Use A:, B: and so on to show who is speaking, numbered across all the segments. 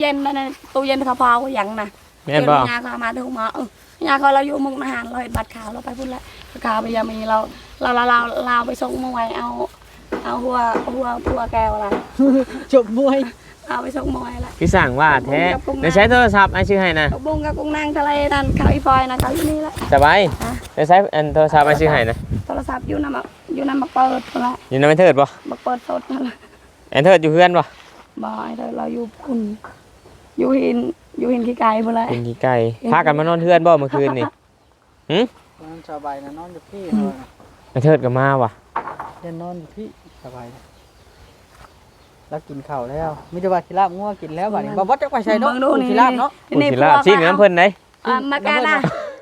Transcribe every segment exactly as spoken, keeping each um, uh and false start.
A: ย็นนั่นตู้เย็นเขาพออย่างน่ะแม่บอกยาเขามาถึงมาเออยาเขาเราอยู่มุกอาหารเราเห็นบัตรขาวเราไปพุ่นละขาวไปยามีเราเราเราเราเราไปส่งมวยเอาเอาหัวหัวหัวแก้วอะไร
B: จบมวย
A: เอาไปส่งมวยละ
C: พี่สั่งว่าแท้เดี๋ยวใช้โทรศัพท์ไอ้ชื่อให้นะ
A: บุ้งกับกุ้งนางทะเลนั่นเขาอีฟอยนะเขาอยู่นี่ละ
C: สบายเดี๋ยวใช้อันโทรศัพท์ไอ้ชื่อให้นะ
A: โทรศัพท์อยู่น้ำอยู่น้ำมาเปิดละ
C: อยู่น้ำมันเถิดป่ะ
A: มาเปิดสดนั่นแหละ
C: แอนเถิดอยู่เพื่อนป่ะ
A: บ่อยเลยเราอยู่คุณอยู่หินอยู่หินขี้ไก่บ่เลย
C: หินขี้ไก่พากันมานอนเพื่อนบ่เมื่อคืนนี่หืม
B: นอนสบายนะนอนอยู่พี่
C: แอนเถิดก็มาว่ะ
B: เดินนอนอยู่พี่สบายแล้วกินข้าวแล้วมิจะว่ากินลาบงัวกินแล้วบัดนี้บ่บ่จักไปใส่เนาะกินลาบเนาะ
C: กินลาบชิ้นน้ำเพิ่นไหน
A: มาแกน่ะ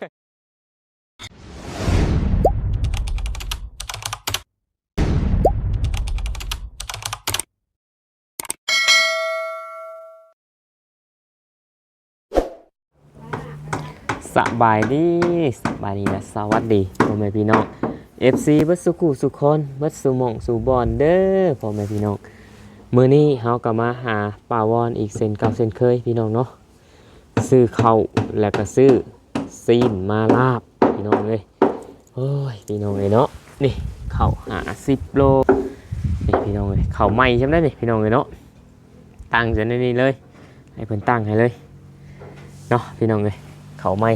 C: สบายดีสบายดีและสวัสดีพ่อแม่พี่น้อง เอฟ ซี เบิดสุขุสุคนเบิดสุหม่องสุบอนเด้อพ่อแม่พี่น้องมื้อนี้เฮาก็มาหาป้าวอนอีกเส้นเก่าเส้นเคยพี่น้องเนาะซื้อข้าวแล้วก็ซื้อซีนมาลาบพี่น้องเอ้ยโอ้ยพี่น้องเอ้ยเนาะนี่ข้าวห้าสิบโลนี่พี่น้องเอ้ยข้าวใหม่ใช่มั้ยนี่พี่น้องเอ้ยเนาะตั้งซะในนี้เลยให้เพิ่นตั้งให้เลยเนาะพี่น้องเอ้ยเขาไม่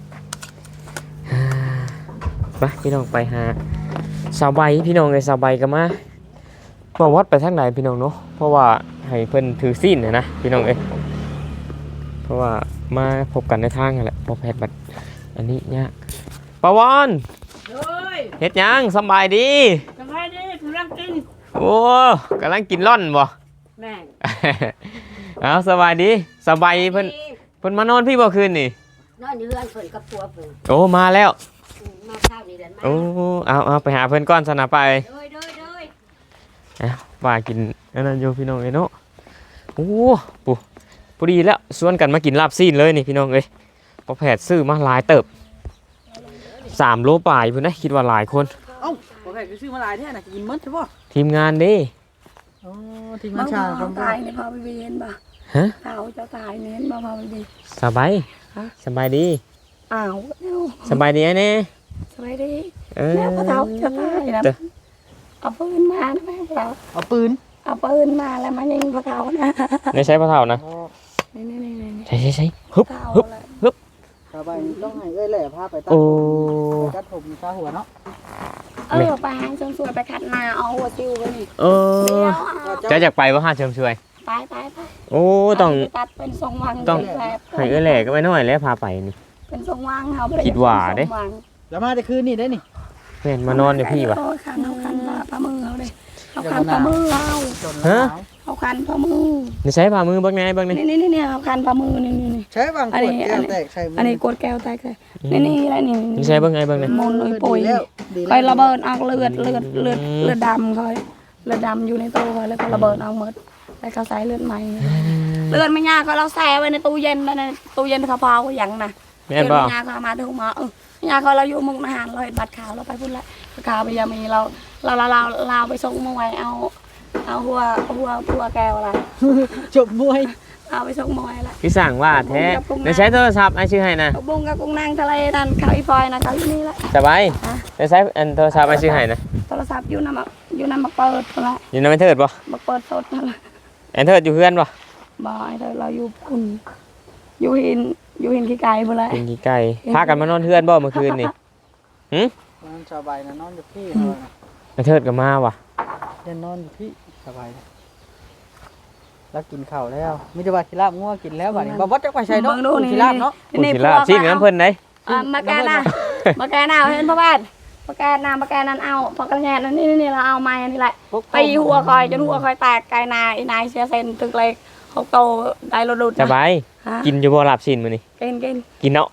C: ไปพี่น้องไปหาสาวใบพี่น้องเลยสาวใบก็มามาวัดไปทางไหนพี่น้องเนาะเพราะว่าให้เพิ่นถือซีนนะนะพี่น้องเอ้ยเพราะว่ามาพบกันในทางนั่นแหละพอแพทย์บัดอันนี้เนี่ยปาวอนเฮ็ดยังสบายดี
A: สบายดีกำลังกิน
C: โอ้กำลังกินร่อนบ่
A: แม่
C: เอาสบายดีสบายเพิ่นเพิ่นมานอนพี่บ่คืนนี่
A: นอนอยู่เรือนเพิ่นกับผัวเพิ่น
C: โอ้มาแล้ว
A: มาข้าวนี่เดินมา
C: โอ้เอาเอาไปหาเพิ่นก่อนสนะไป
A: โดยโดยโดย
C: เอาว่ากินอันนั้นอยู่พี่น้องเอ้ยเนาะโอ้ปุ๊พอดีแล้วชวนกันมากินลาบซีนเลยนี่พี่น้องเอ้ยพอแผดซื้อมาหลายเติบสามโลปลายพุ่นนะคิดว่าหลายคน
B: เอ้าพอแผดซื้อมาหลายแท้น่ะกินหมดใช่ป่ะ
C: ทีมงานดิ
B: อ๋อทีมงานชาเขา
A: ตายนี่พอไปเห็นบ่
C: ฮะ
A: เฒ่าเจ้าตายนี่เห็นบ่พอไปดี
C: สบายสบายดี
A: อ้าว
C: สบายดีแน่
A: สบายดีแล้วพอเฒ่าเจ้าตายนะเอาปืนมานะแม่เรา
B: เอาปืน
A: เอาปืนมาแล้วมายิงพอเฒ่านะ
C: ไม่ใช่พอเฒ่านะ
A: นี่ๆๆ
C: ใช่ใช่ฮึบฮึบฮึบ
B: สบายต้องให้เอ้ยแหล่พาไปตัดตัดผมซาหัวเนาะ
A: เออไปหาเชิงช่วยไปขัดนาเอาหัวซิวไปนี่
C: เออจะอยากไปว่าหาเชิงช่วย
A: ไปไปไป
C: โอ้ต้อง
A: ตัดเป็นทรงวัง
C: ต้องให้เอ้ยแหล่ก็ไม่น้อยแล้วพาไปนี่
A: เป็นทรงวังเขา
C: คิดว่าเด้
B: แล้วมาได้คืนนี่ได้นี่
C: เพื่อนมานอนเดี๋ยวพี่วะ
A: เขาคันเขาคันปลามือเขาเลยเขาคันปลามือเรา
C: ฮะ
A: เขาคันปลามือ
C: นี่ใช้ปลามือบ้างไงบ้างนี่
A: นี่นี่นี่เขาคันปลามือนี่นี่นี่
B: ใช้บางขวดแก้วแตกใช่
A: อันนี้กดแก้วแตกเลยนี่นี่อะไรนี่
C: นี่ใช้บ้างไงบ้างนี่
A: มนเลยปุยคอยระเบิดออกเลือดเลือดเลือดเลือดดำคอยเลือดดำอยู่ในตัวคอยแล้วก็ระเบิดออกหมดแล้วเขาใส่เลือดใหม่เลือดไม่ยากก็เราแช่ไว้ในตู้เย็นในตู้เย็นเขาพออย่างน่ะ
C: แม่บอก
A: ยาเขามาถึงมาเออยาเขาเราอยู่มุกอาหารเราเห็นบัตรขาวเราไปพุ่นละขาวไปยามีเราเราเราเราเราไปส่งมวยเอาเอาหัวหัวหัวแก้วอะไร
B: จบมวย
A: เอาไปส่งมวยละ
C: พี่สั่งว่าแท้เดี๋ยวใช้โทรศัพท์ไอ้ชื่อให้นะ
A: บุ้งกับกุ้งนางทะเลนั่นเขาอีฟอยนะเขาอยู่นี่ละ
C: สบายเดี๋ยวใช้อันโทรศัพท์ไอ้ชื่อให้นะ
A: โทรศัพท์อยู่น้ำอยู่น้ำมาเปิดละ
C: อยู่น้ำมันเถิดป่ะ
A: มาเปิดสดนั่นแหละ
C: แอนเถิดอยู่เพื่อนป่ะ
A: บ่อยเลยเราอยู่คุณอยู่หินอยู่หินขี้ไก่บ่เลย
C: หินขี้ไก่พากันมานอนเพื่อนบ่เมื่อคืนนี่หืม
B: นอนสบายนะนอนอยู่พี่
C: แอนเถิดก็มาว่ะ
B: เดินนอนอยู่พี่สบายแล้วกินข้าวแล้วมิจะว่ากินลาบงัวกินแล้วบัดนี้บ่บ่จักไปใส่เนาะกินลาบเนาะ
C: กินลาบชิ้นน้ำเพิ่นไหน
A: มาแกน่ะมาแกน่ะเห็นพ่อบ้านมาแกน่ะมาแกนั่นเอาพอกระแยนั่นนี่นี่เราเอาไม้นี่แหละตีหัวคอยจนหัวคอยแตกไก่นายนายเสียเซนตึกเลยเขาโตได้รถดุด
C: สบายกินอยู่บ่ลาบชิ้นมื้อนี้
A: กินกิน
C: กินเนาะ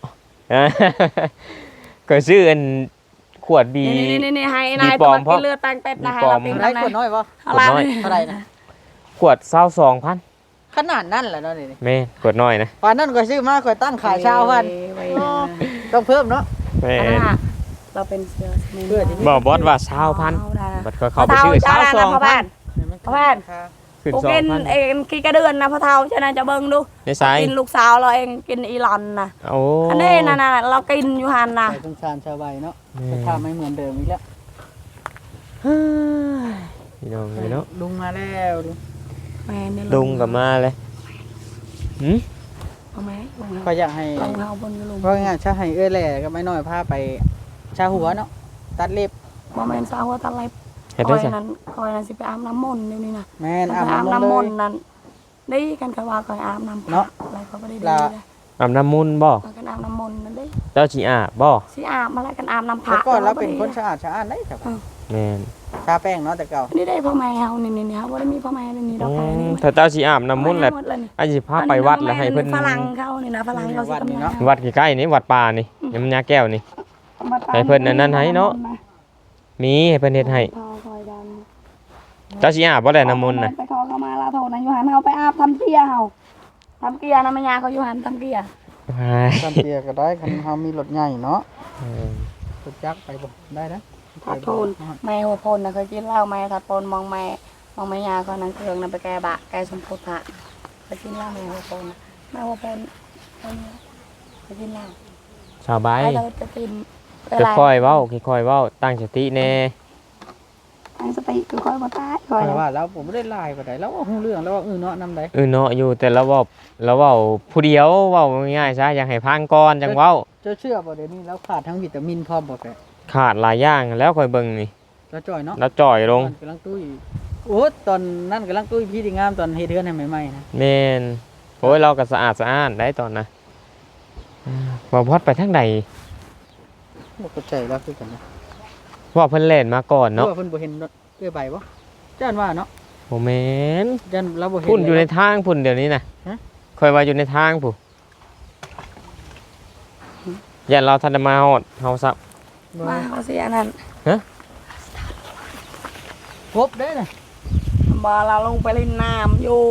C: ก็ซื้ออันขวดบี
A: นี่ๆๆให้นายตัวกินเลือดแป้งเป็ดนะให้เราตี
B: ได้ขวดน้อยบ่
C: ขวดน้อย
B: เท่าไหร่นะ
C: ขวดเศร้าสองพัน
B: ขนาดนั้นแหละเนาะนี่
C: แม่ขวดน้อยนะ
B: ตอนนั้นก็ซื้อมาก็ตั้งขายเช้าพันต้องเพิ่มเนาะ
C: แม่
A: เราเป็นเสื้อ
C: บอกบอสว่าเช้าพันบัดเขาไปซื้อเช้าสองพัน
A: พ่อบ้านพ่อบ้าน
C: ขึ้น
A: กู
C: สอง
A: กิน
C: พัน
A: เองกี่กระเดือนนะพ่อเฒ่าฉะนั้นจะเบิ่งดู
C: ในสาย
A: กินลูกสาวเราเองกินอีหลอนน่ะ
C: โอ้
A: อันนี้น่ะน่ะเรากินอยู่หั่นน่ะ
B: ใส่สงสารชาวใบเนาะ
C: แม่
B: สภาพไม่เหมือนเดิมอีกแล้ว
C: เฮ้ยพี่น้องเลยเนาะ
B: ลุงมาแล้วลุง
A: แม่นี่
C: ลุงกับมาเลยหืม
A: เอาไหมลุง
B: ก็
A: เฮา
B: อยากให้
A: ลุงเฮาบนอยู่ลุง
B: เพราะงั้นชาให้เอ้ยแหล่ก็ไม่น้อยพาไปชาหัวเนาะตัดเล็บ
A: บ่แม่นสาวว่าตะไล
C: เฮ็ด
A: ค
C: ได้
A: อย
C: ซะ
A: นั้นคอยนั้นสิไปอาบน้ำมนต์เดี๋ยวนี้นะ
B: แม่น
A: ไป
B: อาบ
A: อาบ
B: น้ำ
A: น้ำม
B: ม
A: น
B: น
A: ต์
B: ต์เลย
A: นั้นได้กันก็ว่าคอยอาบน้ำ
B: เนาะ
A: อะไรเขาบ่ได้ดี
B: ละ
A: เลย
C: อาบน้ำมุนต์บ่
A: เอากันอาบน้ำมนต์นั่นเด้
C: เจ้าสิอาบบ่
A: สิอาบมาแล้วกันอาบน้ำ
B: แต่
A: ผัก
B: ก่อนเราเป็นคนสะอาดสะอาดได้ครับ
C: แม่น
B: ชาแป้งเนาะแต่เก่า
A: นี่ได้พ่อแม่เฮานี่นี่เฮาบ่ได้มีพ่อแม่นี่นี่ด
C: อื
A: อกแค่นี้
C: มถ้าเจ้าสิอาบน้ำมุนต์แหละ
A: หดเลยนี่
C: อันสิพาไปวัดแล้วให้เพิ่น
A: ฝรั่งเขานี่นะฝรั่งเขาสิกำลัง
C: วัดใกล้ๆนี่วัดป่านี่ยำยาแก้วนี่ ให้เพิ่นอันนั้นให้เนาะ มีให้เพิ่นเฮ็ดให้
A: พอคอยดัน
C: เจ้าสิอาบบ่ได้น้ำมุนต์น่ะ
A: ไปขอเข้ามาลาโทษนะอยู่หันเฮาไปอาบทำเกียร์เฮาทำเกียร์นะแม่ยาเขาอยู่หันทำเกียร์
B: ทำเตียก็ได้คันเฮามีรถใหญ่เนาะ
C: เออ
B: รถจักรไปบ่ได้นะ
A: ทัดโพนแม่หัวโพนนะเคยกินเหล้าแม่ทัดโพนมองแม่มองแม่ยาเขานั่งเครื่องนะไปแก้บะแก้สมโพธิพระเคยกินเหล้าแม่หัวโพนนะแม่หัวโพนคนนี้เคยกินเหล้า
C: สบาย
A: ไอ้เราจะกิน
C: ค่อยๆเว้าค่อยๆเว้าตั้งสติแน่
A: ตั้งสติคือคอยมาตายคอย
B: แต่ว่าแล้วผมบ่ได้ลายปานใดแล้วว่าฮู้เรื่องแล้วว่าเออเนาะนำใด
C: เออเนาะอยู่แต่ละเว้าละเว้าผู้เดียวเว้าง่ายๆซะอยากให้พังก่อนจังเว้า
B: เจ้าเชื่อบ่เดี๋ยวนี้แล้วขาดทั้งวิตามินพร้อมบ่แฟ
C: ขาดหลายอย่างแล้วค่อยเบิ่งนี่
B: แล้วจ่อยเนาะ
C: แล้วจ่อยลง
B: ตอนกำลังตุ้ยโอ้ตอนนั้นกำลังตุ้ยพี่ที่งามตอนเฮ็ดเฮือนให้ใหม่ๆนะ
C: แม่นโอ้ยเราก็สะอาดสะอ้านได้ตอนนะอ่าว่าพอดไปทางใด
B: บ่เข้าใจแล้วคือกันนะ
C: ว่าเพิ่นเล่นมาก่อน
B: เนาะ
C: เนาะ
B: เพิ่นบ่เห็นรถเอื้อใบบ่จ้านว่าเนาะ
C: บ่แม่น
B: จ้านเราบ่เห็น
C: พุ่นอยู่ใน
B: เลย
C: ทางพุ่นเดี๋ยวนี้น่ะ
B: ฮะ
C: ค่อยว่าอยู่ในทางผู้อย่าเราทันได้มาฮอดเฮาซับ
A: มาเขาเสียนั่น
B: ครบได้น่ะ
A: บอเราลงไปเล่นน้ำอยู่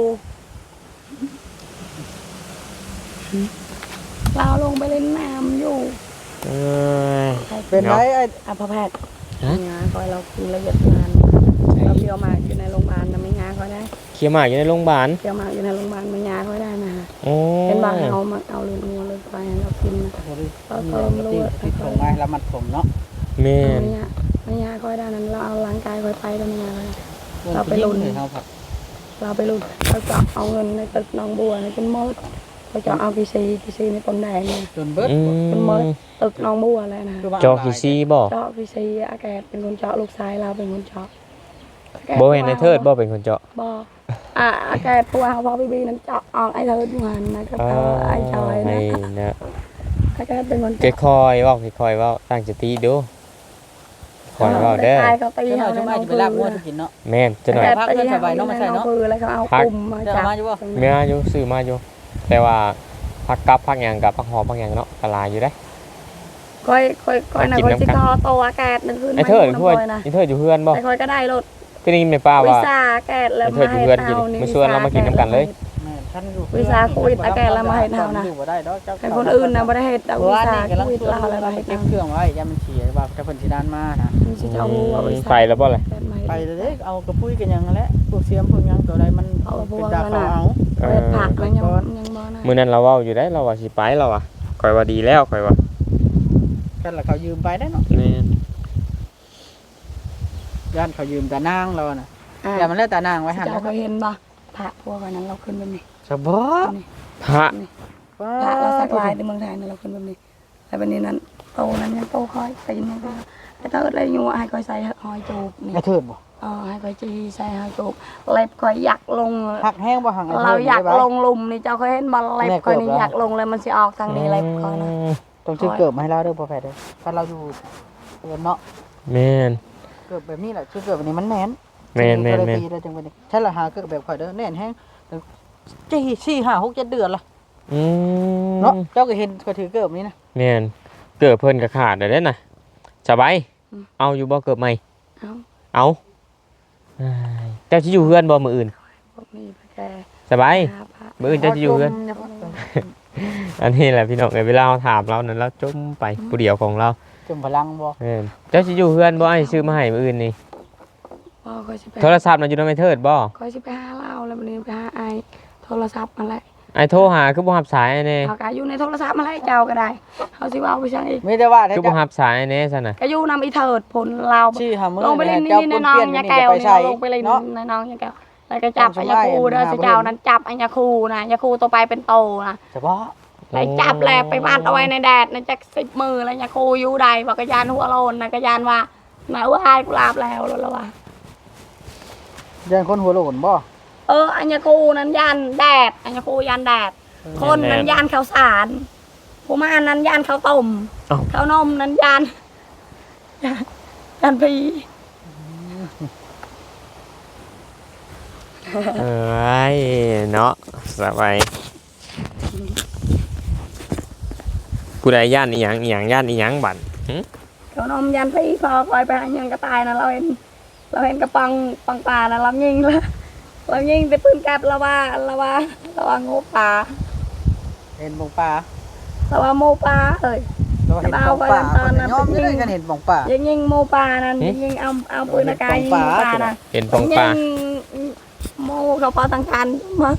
A: เราลงไปเล่นน้ำอยู่
C: เอ้ย
B: เป็นไรไอ้
A: อ่ะพ่อแพทย์
C: ฮะ
A: งานคอยเรากินละเอียดงานเราเที่ยวมาอยู่ในโรงพยาบาลนะไม่งานคอยได้
C: เคียหมากอยู่ในโรงพยาบาล
A: เที่ยวมาอยู่ในโรงพยาบาลไม่งานคอยได้นะ
C: โอ้
A: เป็นบางเอามาเอาเลือดงัวเลือดไปให้เรากินนะ
B: บ่ได้มีอะไรที่ที่ส่งมาให้เรามัดผมเนาะ
C: แม่น
A: ไม่งานไม่งานคอยได้นั้นเราเอาร่างกายคอยไปแล้วไม่งานเลย เราไป
B: ล
A: ลุ้
B: ง
A: น
B: เลยเฮาผัก
A: เราไปลุ้นเราจะเอาเงินในตึกหนองบัวในเป็นมดเราจะเอากีซีกีซีในต้นแดงเนี่ย
B: จนเบิด
C: อื
A: เป็นมด
C: ม
A: ตึกหนองบัวอะไรนะ
B: คือว่า
C: จอกี่ซีบ่
A: เจาะกีซีอากาศเป็นคนเจาะลูกชายเราเป็นคนเจาะ
C: บ่เห็นในเทิดบ่เป็นคนเจาะ
A: บ่อ่ะอากาศตัวเขาพอบีบีนั้นเจาะออกไอ้เทิดอยู่หันนะก็เจาะไอ้จอย
C: ไอ้
A: นะ
C: นะ
A: อากาศเป็นคน
C: ค่อยๆเว้าค่อยๆเว้าตั้งสติดูค่อยเว้าเด้อ
A: ตายเขาตี
B: เจ้าหน่อย
A: เขา
B: จะ
A: ใน
B: มา
A: น้อง
B: จะไป
A: พือ
B: ลากงัวจะกินเนาะ
C: แม่นจะหน่อย
B: พักเพื่อนสบายเนาะมาใส่เนาะ
A: พือแล้วเขาเอา
C: พัก
A: กลุ่มมา
B: เจ้า
A: จับ
B: มาอยู่บ่
C: เมียอยู่ซื้อมาอยู่แต่ว่าพักกับพักหยังกับพักหอมพักหยังเนาะกะลายอยู่ได้
A: ค่อยค่อยค่อยนะ
C: กิน
A: ค่อย
C: น้ำ
A: สิ
C: กัน
A: ทอโตอากาศนั่นคือ
C: ไอ้เทิดคือว่า
A: นะ
C: ไอ้เทิดอยู่เพื่อนบ่
A: แต่ค่อยก็ได้รถ
C: คือได้ยินแม่ป้า
A: วิ
C: ว่า
A: สาอากาศแล้ว
C: ไอ้เทิดอยู่เพื่อนกินมาชวนเรามากินน้ำกันเลย
B: แม่ท่านอยู่
A: วิสาโควิดอากาศแล้วมาเฮ็ดเฮานะ
B: อยู่บ่ได้ดอกเจ้า
A: ให้คนอื่นนะบ่ได้เฮ็ดเอา
B: เพราะ
A: วิ
B: ว่า
A: สา
B: นี่
A: โค
B: กำลัง
A: วิด
B: ชวน
A: เราอะไร
B: เรา
A: มา
B: ไป
A: เฮ็ด
B: เก็บ
A: เอา
B: เครื่องไว้อย่ามันเสียว่าเจ้าเพิ่นสิดานมานะ
A: มันสิเอาเอาวิสา
C: ไปแล้วบ่เลย
B: ไปเลยเด้เอากระปุ้ยกันหยังนั่นแหละพวกเสียมพวกหยังตัวใดมันเป็นตาเขาเอา
C: เอ
A: เฮ็ด
C: อ
A: ผักแล้วยังยังบ่นะ
C: มื้อนั้นเราเว้าอยู่ได้เราว่าสิไปเราอ่ะข่อยว่าดีแล้วข่อยว่า
B: กันละเขายืมไปได้เนาะ
C: แม่น
B: ย่านเขายืมตานางเราน่ะ
A: อ่า
B: อย่ามันแล้วตานางไว้หั่น
A: เจ้า
B: นะ
A: เคยเห็นบ่ผักพวกอันนั้นเราขึ้นแบบนี้
B: สบอ
A: นี่
C: พระ
A: นี่ผักเราสักลายในเมืองไทยนั่นเราขึ้นแบบนี้แล้วบัดนี้นั้นโตนั้นยังโตค่อยตีนยังก็ไอ้เติร์ดเลยอยู่ให้ค่อยใส่หอยจูบนี่
B: ไอ้เถิดบ่
A: เออให้ค่อยจีใส่หอยจูบเล็บค่อยอยากลง
B: หักแห้งบ่หังไอ้
A: เรา
B: เถิด
A: อยาก
B: ได้บ่
A: ลงหลุมนี่เจ้าเคยเห็นบอลเล็บค่อยนี่อยากลงเลยมันสิออกทางนี้เล็บค่อยนะ
B: ต้องชื่อเกิบมาให้เราเด้อพ่อแพทย์เด้อถ้าเราอยู่เอิ้นเนาะ
C: แม่น
B: เกิบแบบนี้แหละชื่อเกิบแบบนี้มันแม่น
C: แม่นแม่นแม่น
B: ปีแล้วจังเป็นใช่ละหาเกิบแบบข่อยเด้อแน่นแห้งจี้สี่ห้าหกเจ็ดเดือนละ
C: อืม
B: เนาะเจ้าก็เห็นก็ถือเกิบนี้นะ
C: แม่นเกิดเพิ่นก็ขาดได้เด้น่ะสบายเอาอยู่บ่เกิดใหม่
A: เอา
C: เอาอ้ายเจ้าสิอยู่เฮือนบ่มื้ออื่น
A: พวกนี้พระแก
C: สบาย
A: พาพระ
C: มื้ออื่นเจ้าสิอยู่เฮือน อันนี้แหละพี่น้องเอ้ยเวลาเราถามเรานั้นเราจมไปผู้เดียวของเรา
B: จมพลังบ่
C: แม่นเจ้าสิอยู่เฮือนบ่ให้ซื้อมาให้มื้ออื่นนี่
A: บ่คอยสิไป
C: โทรศัพท์น่ะอยู่นำไอ้เทิดบ่
A: คอยสิไปหาเล่าแล้ววันนี้ไปหาไอโทรศัพท์มาแหละ
C: ไอ้โทรหาคือบ่รับสายไอ้แน่
A: เขาก็อยู่ในโทรศัพท์มาแหละเจ้าก็ได้เขาสิว่าเอาไปช่างอีก
B: ไม่ได้ว่าได้
C: คือบ่รับสายไอ้แน่ซั่นน่ะ
A: ก็อยู่นำอีเถิดผลเรา
B: ชื่อหามื้อ
A: ลงไปเล่น
B: เจ้า
A: นี่
B: ปุ้
A: ใน
B: น
A: น้อง
B: เปี้ยน
A: ยา
B: นี่
A: แก้ว
B: จะไป
A: นี่
B: ใช้
A: ลงไปเล่น
B: เนาะ
A: ในน้องยาแก้วแล้วก็จับ
B: ต้
A: ไอ้
B: อง
A: ยา
B: ไล่
A: คูเด้อ
B: หา
A: สิเจ้า
B: เพิ่น
A: นั้นจับไอ้ยาคูนะยาคูตัวไปเป็นโตนะ
B: เฉพาะ
A: ไปจับแลไปบ้านเอาไว้ในแดดนะจักสิบมือแล้วยาคูอยู่ใดบอกกระยานหัวโลนนะกระยานว่าน่าว่าอายกูลาบแล้วแล้วว่า
B: ยันคนหัวโหลนบ่
A: เอออัญญาคูนั้นยันแดดอัญญาคูยันแดด คนนั้นยันข้าวสารผู้มานั้นยันข้าวต้มข้าวนมนั้นยันยันพี
C: เอ้ยเนาะสบายผู้ใดย่านอีหยังอีหยังย่านอีหยังบัดหึ
A: ข้าวนมยันพีพอคอยไปหายังกระต่ายนะเราเห็นเราเห็นกระปังปังปลานะเรายิงแล้วเรายิงไปปืนแก๊ปเราว่าเราว่าเราว่างูปลา
B: เห็นบ่งป่า
A: เราว่าโมปลาเอ้ย
B: เราเห็นบ่งป่า
A: ตอนนั้น
B: ยอมได้กันเห็นบ่งป่า
A: ยิงยิงโมปลานั่นยิงยิงเอาเอาปืนอากาศยิงโมปลานะ
C: เห็นปองปลา
A: ยิงโมเขาปลาตังการมา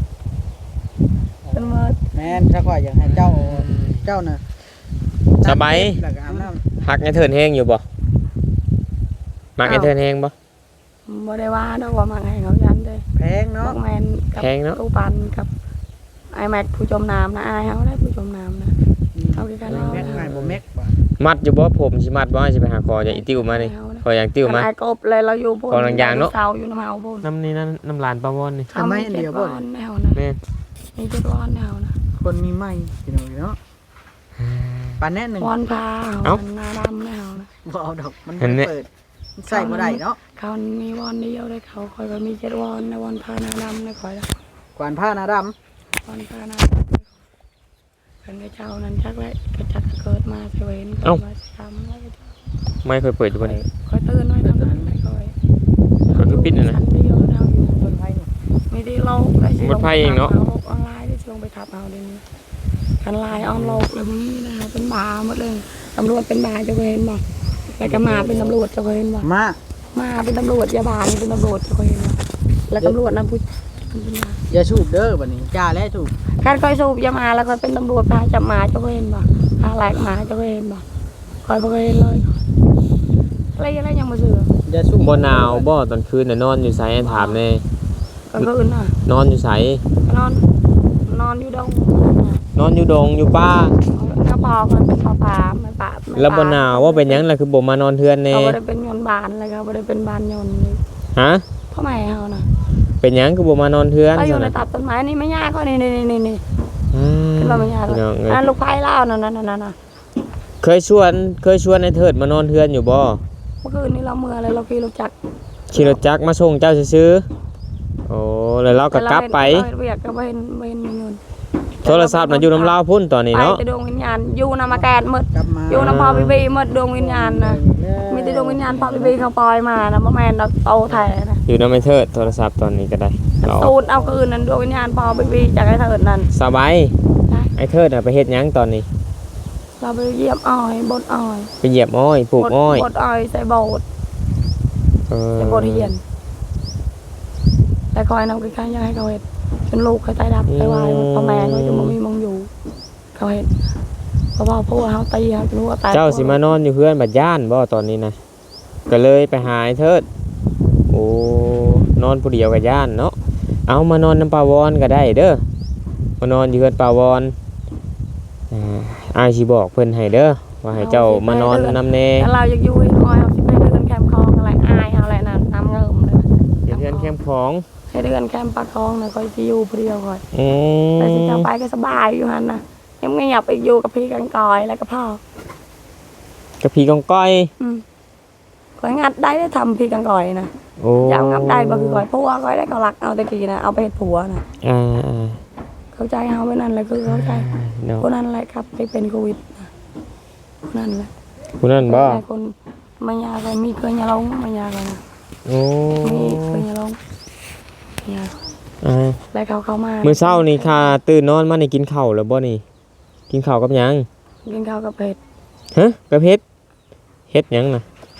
A: เป็นมือ
B: แม่นสักว่าอยากให้เจ้าเจ้าน่ะ
C: สบาย
B: แล้วก็อาบน้ำ
C: ฮักไอ้เทิดแห้งอยู่บ่มักไอ้เทิดแห้งบ่
A: บ่ได้ว่าดอกว่ามักให้เขายันเด้
B: แพง
A: น้อ
B: เนาะ
A: งแมนกับ
C: แพงเนาะ
A: ตู้ปันกับไอแม็กผู้จมน้ำนะไอายเขาได้ผู้จมน้ำนะเอากี่กันเอา
B: แม็กไงบ่แม็กบ่
C: มัดอยู่บ่ผมสิมัดบ่ให้สิไปหาคอจะอีติ้วมานี่คออยากติ้วมา
A: ไอกบเลยเราอยู่บน
C: กองลังยางเนอะ
A: เสาอยู่น้ำเฮาบน
C: น้ำนี่นั่นน้ำลานปลาวอนนี่
B: ทำไมอันเดียวบ่
A: อามีเจ็ดวันแนวนะ
C: แม่น
A: มีเจ็ดวันแนวนะ
B: คนมีไม้พี่น้องเนาะปานแน่หนึง
A: วันพา
C: เอ้า
A: วันหน้าดำแนวนะ
B: บ่เอาดอกมัน
C: เห็นไหม
B: เปิดมันใส่บ่ได้เนาะ
A: เขามีวันเดียวเลยเขาคอยก็มีเจ็ดวันในวันพาหน้าดำนะคอยละ
B: กวานผ้าหน้าดำ
A: วันพาหน้าดำเป็นกระเจ้านั้นจักเลยกระจักเกิดมาเสวยนเกิดมาสิทำแล้วก็
C: ไม่เคยเปิดอยู่บ่นี่
A: คอยตื่นไว้ทำนั้นไปคอย
C: ก็คือปิดน่ะนะ
A: ชั้เดียวทำอยู่
B: ต้นไม้นี่
A: ไม่ได้เราได้สิ
C: หมดไพ่เองเนอะ
A: ลงออนไลน์ได้สิลงไปทับเอาเดี๋ยวนี้กันไลน์ออนโลกเลยนี้นะคะเป็นบาหมดเลยตำรวจเป็นบาจะเคยเห็นบ่แล้วก็มาเป็นตำรวจจะเคยเห็นบ่
B: มา
A: มาเป็นตำรวจยาบาลเป็นตำรวจจะเคยเห็นบ่แล้วตำรวจนะผู้เป็นบา
B: อย่าสูบเด้อบัดนี้จ้าแล้วสูบ
A: การคอยสูบยามาแล้วก็เป็นตำรวจพาจับหมาจะเคยเห็นบ่พาแหลกหมาจะเคยเห็นบ่คอยบ่เคยเห็นเลยอะไรอะไรยังมาเสือ
B: อย่าสูบ
C: บ่หนาวบ่ตอนคืนน่ะนอนอยู่ไสให้ถามแน่
A: กลางคืนน่ะ
C: นอนอยู่ไส
A: นอนนอนอยู่ดง
C: นอนอยู่ดงอยู่ป่า
A: น้าปอกันเป็นปลาปลาไม่ปลาไม่ปา
C: แล้วบ่หนาวว่าเป็นหยังล่ะคือบ่มานอนเทือนแน่
A: เขาบ่ได้เป็นยนต์บานเลยเขาบ่ได้เป็นบานยนต์เลย
C: ฮะ
A: พ่อแม่เขาน่ะ
C: เป็นหยังคือบ่มานอนเทือน
A: เขาอยู่ใน
C: ซั่นน่ะ
A: ตัดต้นไม้นี่ไม่ยากก็นี่นี่นี่นี่
C: อืม
A: ขึ้นมาไม่ยาก
C: พี่น้องเอ้ย
A: อ่ะลูกไผ่เล่านั่นนั่นนั่นน่ะ
C: เคยชวนเคยชวนไอ้เทิดมานอนเทือนอยู่บ่
A: เมื่อคืนนี้เราเมื่อเลยเราขี่รถจักร
C: ขี่รถจักรมาส่งเจ้าซื้อๆโอ้แล้วเราก็กลับไป
A: เราเห็นเวียกก็บ่เห็นบ่เห็นมีเงิน
C: โทรศัพท์น่ะอยู่น้ำลาวพุ่นตอนนี้
A: ไป
C: เนาะ
A: แต่ดวงวิญญาณอยู่นำมาแกนหมด
B: กลับมา
A: อยู่นำพอบีบีหมดดวงวิญญาณนะมีแต่ดวงวิญญาณพอบีบีเขาปล่อยมานะบ่แม่นดอกโตแท้นะ
C: อยู่น้ำไอ้เทิดโทรศัพท์ตอนนี้ก็ได้เอา
A: ตูดเอาคืนนั้นดวงวิญญาณพอบีบีจากไอ้เถิดนั่น
C: สบายไอ้เทิดน่ะไปเฮ็ดหยังตอนนี้
A: เราไปเยี่ยมอ้อยบดอ้อย
C: ไปเหยียบอ้อยปลูกอ้อย
A: บดอ้อยใส่โบด
C: เออ
A: ใส่โบดเฮียนแต่คอยนำกินข้าวยังให้เขาเห็ดจนลูกเขาตายดับไปวายพ่อแม่เขาจะบ่มีมองอยู่เขาเห็ดเพราะว่าพวกเขาตีเขาจนหัวแตก
C: เจ้าสิมานอนอยู่เพื่อนบัดย่านบ่ตอนนี้นะก็เลยไปหาไอ้เทิดโอ้นอนผู้เดียวกับย่านเนาะเอามานอนน้ำปลาวอนก็ได้เด้อมานอนอยู่เพื่อนปลาวอนอ่าอายสิบอกเพิ่นให้เด้อว่าให้เจ้ามานอนนำแน่
A: แต่เราอยากอยู่ให้น้อยเอาสิไปเดินแคมป์คลองอะไรอายเอาอะไรนั่นน้ำเงิมเลย
C: เดี๋ยวเพื่อนแคมป์ของ
A: ให้เดินแคมป์ปลาคลองนะคอยสิอยู่ผู้เดียวคอย
C: อืม
A: แต่สิจะไปก็สบายอยู่หันนะยังไม่อยากไปอยู่กับพี่กันกอยแล้วก็พ่อก
C: ระพีกองก้อย
A: อืมคอยงัดได้ได้ทำพี่กันกอยนะ
C: โอ้
A: อยากงัดได้บ่คือคอยเพราะว่าคอยได้เขารักเอาตะกี้นะเอาไปเฮ็ดผัวนะ
C: อ่าอ่า
A: เข้าใจเฮาไว้นั่นแหละคือเข้าใจ
C: เนาะ
A: คนนั้นแหละครับที่เป็นโควิดนะคนนั่นแหละ
C: ผู้นั้นบ่
A: หลายคนมายาก็มีเคยยาลงมายาก็นะ
C: โอ้
A: มีเคยยาลงยา
C: อ่า
A: แล้วเขาเข้ามา
C: มื้อเช้านี่ค่ะตื่นนอนมานี่กินข้าวแล้วบ่นี่กินข้าวกับหยัง
A: กินข้าวกับเผ็ด
C: ฮะกับเฮ็ดเฮ็ดหยังน่ะ
A: เ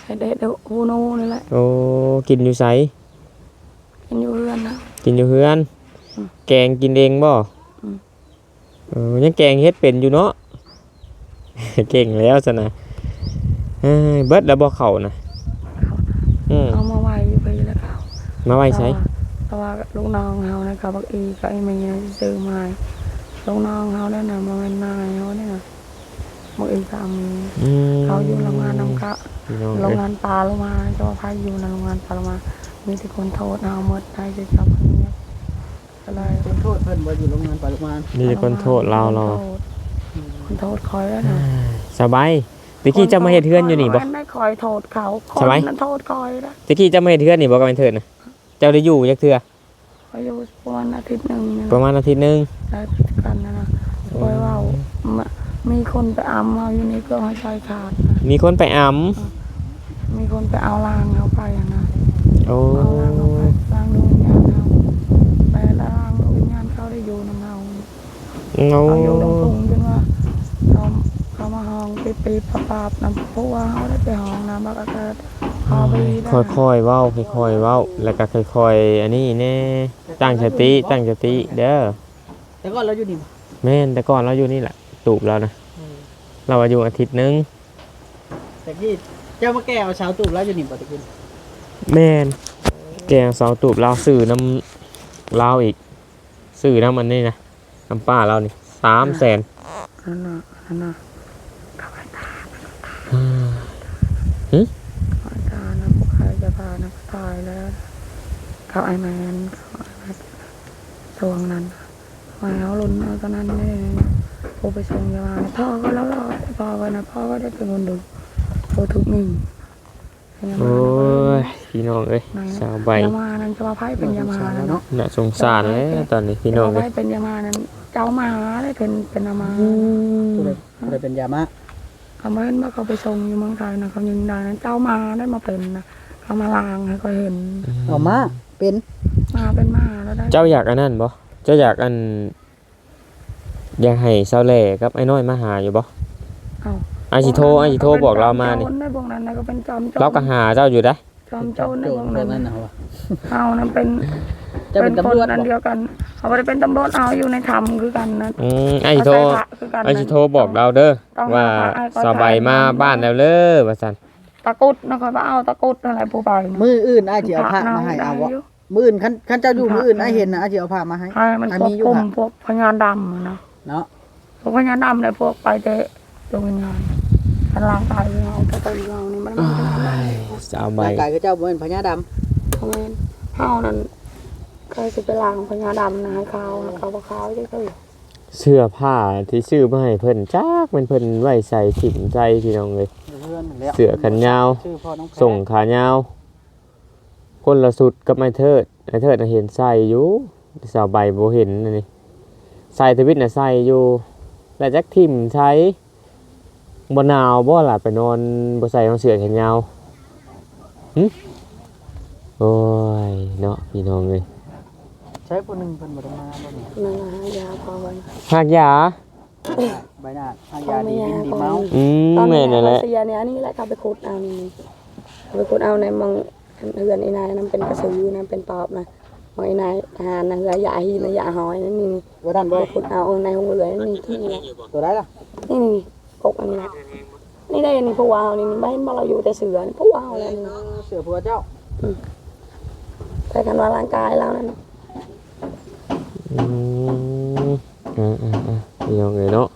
A: เด็ดเดี๋ยวโอโน่นี่แหละ
C: โอ้กินอยู่ไส
A: กินอยู่เรือนนะ
C: กินอยู่เฮือน
A: อืม
C: แกงกินเองบ่
A: อืม
C: เออยังแกงเฮ็ดเป็นอยู่เนาะ เก่งแล้วซะนะเอ้ยเบิดแล้วบ่เข้านะ
A: เขานะ
C: อืม
A: เอามาไว้อยู่ไปแล้วเขา
C: มาไว้ใช้
A: เพราะว่าลูกน้องเขานะกับบักอีกับไอ้เมียซื้อมาให้ลูกน้องเขาได้นะมาเป็นนายเขาเนี่ยนะบักอีกับมี
C: อืม
A: เขาอยู่โรงงานน้ำกะ
C: พี่น้อง
A: โร
C: เอ้
A: ง
C: ย
A: งานปลาลงมาเจ้าพายอยู่ในโรงงานปลาลงมา มีแต่คนโทษเอาหมดได้จะจับคนนี้ก็เลย
B: คนโทษเพิ่นบ่อยู่โรงงานปาลุมาน
C: มีแต่คนโทษเราเรา
A: คนโทษคอยแล้วนะ
C: สบายตะกี้เจะมาเฮ็ดเฮือนอยู่นี่บ่
A: ไม่คอยโทษเขาค
C: สบาย
A: นนั้นโทษคอยนะ
C: ตะกี้เจะมาเฮ็ดเฮือนนี่บ่ก็เป็นเถิดนะเจ้าได้อยู่จักเทื่อ
A: คอยอยู่ประมาณอาทิตย์หนึ่งเนี่ย
C: ประมาณอาทิตย์หนึง
A: ได้ผิดกันนะนะคอยว่ามีคนไปอ้ำเอาอยู่ในเครื่องหัวใจขาดนะ
C: มีคนไปอำ
A: มีคนไปเอาลางเขาไปอะนะ
C: โอ้
A: เอาลางเขาไปลางดวงวิญญาณเขาไปลางดวงวิญญาณเขาได้อยู่นำเรา
C: เงา
A: เขาอยู่ตรงสูงจนว่าเขาเขามาห้องปีปีปะปาบน้ำพุว่าเขาได้ไปห้องน้ำบักอากาศพอไปได้
C: ค่อยๆเว้าค่อยๆเว้าแล้วก็ค่อยๆอันนี้แน่ตั้งสติตั้งสติเด้อ
B: แต่ก็เราอยู่นี่บ่
C: แม่นแต่ก่อนเราอยู่นี่แหละตูบเรานะเราอายุอาทิตย์หนึง
B: แต่กี้เจ้ามาแก้เอาชาวตูบแล้วอยู่นี่บ่ตะกี้
C: แม่นแกงเสาตูบเราซื้อน้ำเราอีกซื้อน้ำมันนี่นะน้ำป้าเรานี่สามแสน
A: นั่นน่ะนั่นน่ะขายตาขายตานะพวกใครจะพานะตายแล้วเขาไอแมนเขาไอแมนตวงนั้นมาเอาลุนเอาตอนนั้นนี่พอไปส่งยามาพ่อก็แล้วรอดพ่อก็นะพ่อก็ได้เป็นคนดูโทรทุกหนึ่ง
C: โอ้ยพี่น้องเอ้ยสาวใบ
A: ยามานั้นจะมาไพ่เป็นยามาแล้วเนาะ
C: น่าสงสารเลยตอนนี้พี่น้อง
A: จะ
C: เอ้
A: มาย ไพ่เป็นยามานั้นเจ้ามาได้เป็นเป็นยามา
B: ผู้ใดผู้ใดเป็นยามะ
A: เขาไม่เห็นว่าเขาไปส่งอยู่เมืองไทยนะเขายิงได้นั้นเจ้ามาได้มาเป็นนะเขามาลางให้เขาเห็น
B: เอามาเป็น
A: มาเป็นมาแล้วได้
C: เจ้าอยากอันนั้นบ่เจ้าอยากอันอยากให้สาวแหล่กับไอ้น้อยมาหาอยู่บ่
A: เอา
C: ไอสิโทรไอสิโทรบอกเรามานี่
A: ในพวกนั้นนะก็เป็นจอมโจร
C: เราก็หาเจ้าอยู่ได้
A: จอมโจรใน
B: โจ
A: พ
B: ร
A: วก
B: พว
A: นั้
B: ก
A: น
B: นั้นน่ะว่ะ
A: เอานั้นเป็น
B: เจ้าเป็นตำรวจ
A: คนนั้น
B: บ่
A: เดียวกันเขาไม่ได้เป็นตำรวจเอาอยู่ในธรรมคือกันนะ
C: อืมไอสิโทร
A: เขาใส่พระคือกันนะ
C: ไอสิโทรบอกเราเด้อ
A: ต้อง
C: ว่า
A: หาพระให้เขา
C: สบายมา
A: ถ่าย
C: บ้านแล้วเด้อว่าซั่น
A: ตะกรุดนะคอยว่าเอาตะกรุดอะไรผู้ไปนะ
B: มืออื่นอ้ายสิเอาผ้ามาให้เอาบ่มืออื่นคันคันเจ้าอยู่มืออื่นอ้ายเห็นน่ะอ้ายสิเอาผ้ามาให้
A: ให้มัน
B: อัน
A: คว
B: นี้
A: บ
B: อยู่
A: คุม
B: ค่ะ
A: พวกพญานดำอะนะ
B: เนาะ
A: พวกพญานดำเลยพวกไปเตะดวงวิญญาณพลังกายของเราตะกรุดของเรานี่มันมันขนาดนั้น
C: สาวใบ
B: ร่างกายคือเจ้าบ่เป็นพญาดำ
A: เขาเองเขานั้นเคยสิไปล้างพญาดำนะให้เขาให้เขาบอกเขาจะคือ
C: เสื้อผ้าที่ซื้อมาให้เพิ่นจักมันเพิ่นไว้ใส่ถิ่มใจพี่น้องเลย
B: เพื่อนนั่นแหละ
C: เสื้อแขนยาว
B: ชื่อพ่อน้องแพร
C: ส่งขายาว คนละสุดกับไอ้เทิดไอ้เทิดน่ะเห็นใส่อยู่สาวใบบ่เห็นอันนี่ใส่ทวิตน่ะใส่อยู่แล้วจักทิ่มใช้บ่หนาวบ่ล่ะไปนอนบ่ใส่รองเสื้อแขนยาวหึโอ้ยเนาะพี่น้องเอ้ย
B: ใช้ผู้หนึงเพิ่นบ่ได้มาบ่นี่
A: นั่นนะฮะยาพอวัน
C: หากยา
B: ใบหน้าทางยาดีบินดีเมา
C: อืม
A: ตอน
C: แม่
A: นี้
C: นั่นแหละ
A: เสียเนี่ยอันนี้แหละเขาไปขุดเอานี่เขาไปขุดเอาในมังเฮือนไอ้นายนั่นเป็นกระสือนะเป็นปอบนะมังไอ้นายอาหารนะเฮือยาหีนะยาหอยนั่นนี่นี่
B: บ่ทันบ่
A: ไปขุดเอาในห้องเหลือนี่ที่นี่แหละ
B: ตัวได้ล่ะ
A: นี่นี่กกอันนี้แหละนี่ได้นี่พวกวาวนี่นี่ไม่มาเราอยู่แต่เสือนี่พวกวาวแล้วนี่
B: เสือผัวเจ้า
A: แต่กันว่าร่างกายแล้วนั่น
C: อืมอ่าอ่าอ่าพี่น้องเอ้ยเนาะ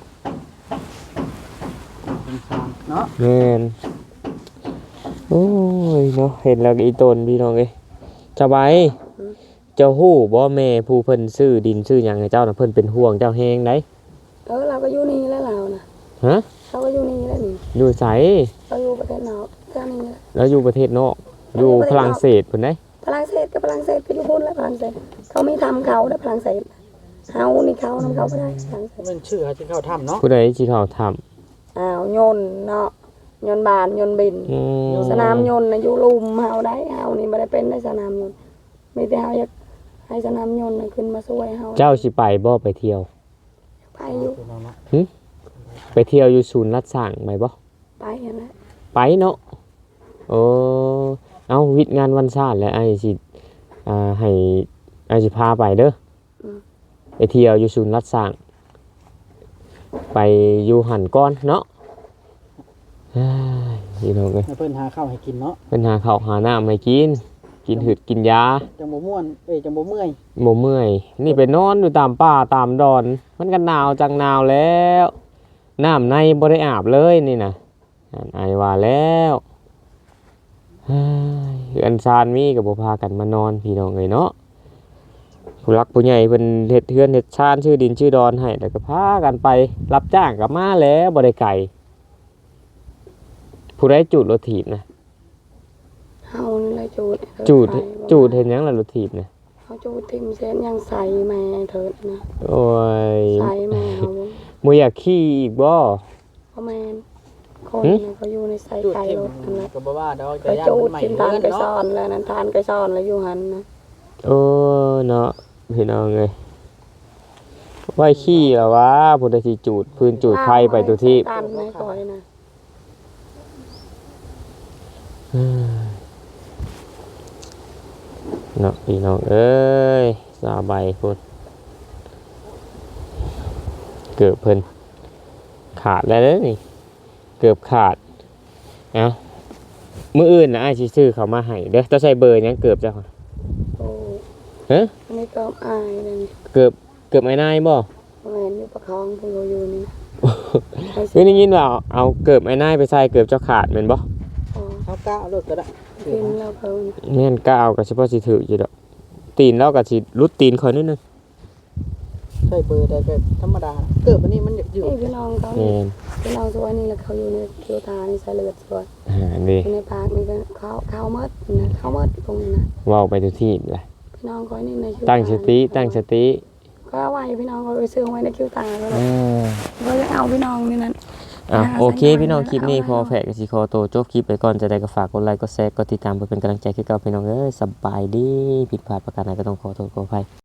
B: เป็นซางเนาะ
C: แม่นโอ้ยเนาะเห็นแล้วก็อีตนพี่น้องเอ้ยเจ้าใบเจ้าฮู้บ่แม่ผู้เพิ่นซื้อดินซื้อหยังให้เจ้าน่ะเพิ่นเป็นห่วงเจ้าแฮงได
A: เออเราก็อยู่นี่แล้วเรานะ
C: ฮะ
A: เขาก็อยู่นี่แล้วนี่
C: อยู่ไส
A: เราอยู่ประเทศนอกแค่นี้แหละ
C: แล้วอยู่ประเทศนอกอยู่ฝรั่งเศสพุ่นได
A: ฝรั่งเศสกับฝรั่งเศสก็อยู่พุ่นแล้วฝรั่งเศสเขาไม่ทำเขาได้ฝรั่งเศสเฮานี่เขานำเขาไม่ได้ฝรั่งเศส
B: มันชื่อหาจึงเข้าถ้ำเนาะ
C: ผู้ใดสิเข้าทํ
A: อ้าวโยนเนาะโยนบานโยนบิน
C: อืม
A: สนามโยนนะอยู่ลุมเฮาได้เฮานี่ไม่ได้เป็นได้สนามโยนไม่แต่เฮาอยากให้สนามโยนน่ะขึ้นมาช่วยเฮา
C: เจ้าสิไปบ่ไปเที่ยว
A: ไปอยู่
B: พี่น้องเนาะ
C: ไปเที่ยวอยู่ศูนย์รัฐสร้างไปบ่
A: ไปอย่างนั้น
C: ไปเนาะโอ้เอาวิทย์งานวันชาติแล้วไอ้สิอ่าให้ไอ้สิพาไปเด้ออไปเที่ยวอยู่ศูนย์รัฐสร้างไปอยู่หันก้อนเนาะเฮ้ยพี่น้องเอ้ย
B: ให้เพิ่นหาข้าวให้กินเนาะ
C: เพิ่นหาข้าวหาน้ำให้กินกินหืดกินยา
B: จังบ่ม่วนเอ้ยจังบ่เมื่อย
C: บ่เมื่อยนี่ไปนอนอยู่ตามป่าตามดอนมันก็หนาวจังหนาวแล้วน้ำในบ่ได้อาบเลยนี่นะอันไอว่าแล้วเฮ้ยเฮือนซานมีก็บ่พากันมานอนพี่น้องเอ้ยเนาะผู้รักผู้ใหญ่เพิ่นเฮ็ดเฮือนเฮ็ดชานชื่อดินชื่อดอนให้แล้วก็พากันไปรับจ้างก็มาแล้วบ่ได้ไกลผู้ใดจูดรถถีบนะ
A: เฮานี่แหละจูด
C: จูดจูดเห็นหยังล่ะรถถีบนะ
A: เฮาจูดทิ่มเส้นยังใส่แม่เถิดนะ
C: โอ้ย
A: ใส่แม่เฮา
C: บ่อยากขี่อีกบ่
A: เพราะแม่นคน
C: หึ
A: น่ะเขาอยู่ในใส่
B: จุด
A: ไก่
B: เข็ม
A: รถนั่นแหละ
B: ก็บ่ว่าดอก
A: ไป
B: แต่ย่าน
A: จู
B: มั
A: ด
B: นใหม่
A: ทิ่มทาน
B: เงิน
A: ไก่
B: เนาะ
A: ซ่อนแล้วนั้นทานไก่ซ่อนแล้วอยู่หันนะ
C: โอ้เนาะพี่น้องเอ้ยไว้ขี้แล้ววะพุทธสิจูดพื้นจูดไฟไปตัวที่
A: ตันไม่ก่อยนะ
C: เนาะพี่น้องเอ้ยสาใบพุ่นเกือบเพิ่นขาดแล้วเด้อนี่เกือบขาดเอ้ามื้ออื่นน่ะอ้ายสิซื้อเขามาให้เด้อต้องใช้เบอร์หยังเกือบจ้ะ
A: โอ้
C: ฮะ
A: อันนี้ก็อายเลย
C: เกือบเกือบไอ้นายบ่
A: แม่นอยู่ประคองเพิ่นก็อยู่นี่นะ
C: เฮ้ยได้ยินว่าเอาเอาเกือบไอ้นายไปใส่เกือบเจ้าขาดแม่นบ่
A: อ๋อ
B: เฮาก้าวรถก็ได้
A: กินแล้วเพิ่น
C: แม่นก็เอาก็เฉพาะสิถืออยู่ดอกตีนแล้วก็สิรุดตีนข่อยนิดนึง
B: ใช่เบอร์ได้ก็ธรรมดาเกิดวันนี้มันอยู่
A: นี่พี่น้องเขา
C: แม่น
A: พี่น้องตัวนี้แล้วเขาอยู่ในคิวตานี่ใส่เลือดสวย
C: อ่านี่
A: อยู่ในปากนี่ก็เขาเขาเมดนะเขาเมดตรงนี้นะ
C: เว้าไปทุกที่เลย
A: พี่น้องเขานี่ในคิว
C: ตั้งสติตั้งสติ
A: ก็เอาไว้พี่น้องเขาไปซื้อไว้ในคิวตาก็เลย
C: อ่า
A: ก็เลยเอาพี่น้องนี่นั่น
C: อ่ะ
A: หา
C: โอเค
A: สัญญาณ
C: พี่น้องคลิปนี้
A: เอาไว้
C: พอแฝกกับสิขอโตวจบคลิปไปก่อนจะได้ก็ฝากกดไลค์กดแชร์กดติดตามเพื่อเป็นกำลังใจให้กับพี่น้องเอ้ยสบายดีผิดพลาดประการใดก็ต้องขอโทษขออภัย